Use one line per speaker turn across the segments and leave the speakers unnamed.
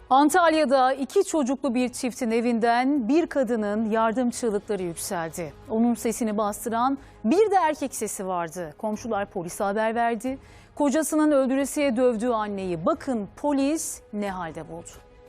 Antalya'da 2 çocuklu bir çiftin evinden bir kadının yardım çığlıkları yükseldi. Onun sesini bastıran bir de erkek sesi vardı. Komşular polise haber verdi. Kocasının öldüresiye dövdüğü anneyi bakın polis ne halde buldu.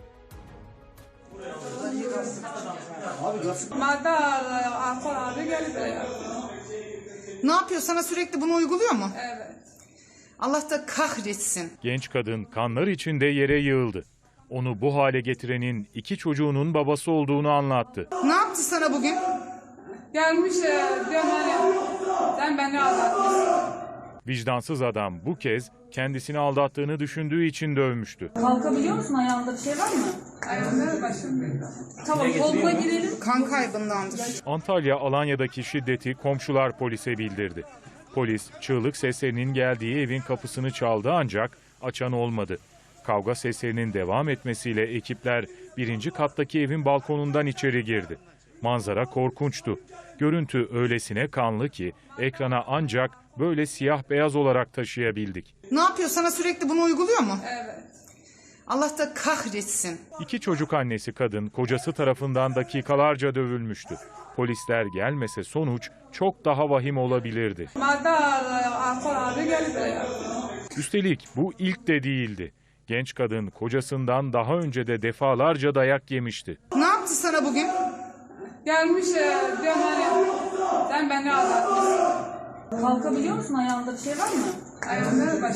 Ne yapıyor? Sana sürekli bunu uyguluyor mu?
Evet.
Allah da kahretsin.
Genç kadın kanlar içinde yere yığıldı. Onu bu hale getirenin 2 çocuğunun babası olduğunu anlattı.
Ne yaptı sana bugün?
Gelmiş diyor hani sen beni aldattın.
Vicdansız adam bu kez kendisini aldattığını düşündüğü için dövmüştü.
Kalkabiliyor musun? Ayağında bir şey var mı?
Ayağımda başım bir.
Tamam, koluma girelim.
Kan kaybındandır.
Antalya Alanya'daki şiddeti komşular polise bildirdi. Polis çığlık seslerinin geldiği evin kapısını çaldı ancak açan olmadı. Kavga seslerinin devam etmesiyle ekipler 1. kattaki evin balkonundan içeri girdi. Manzara korkunçtu. Görüntü öylesine kanlı ki ekrana ancak böyle siyah beyaz olarak taşıyabildik.
Ne yapıyor? Sana sürekli bunu uyguluyor mu?
Evet.
Allah da kahretsin.
2 çocuk annesi kadın kocası tarafından dakikalarca dövülmüştü. Polisler gelmese sonuç çok daha vahim olabilirdi.
Alkol abi geldi.
Üstelik bu ilk de değildi. Genç kadın kocasından daha önce de defalarca dayak yemişti.
Ne yaptı sana bugün?
Gelmiş diyor hani sen beni aldattın.
Kalkabiliyor musun? Ayağında bir şey var mı?
Ayağımda başım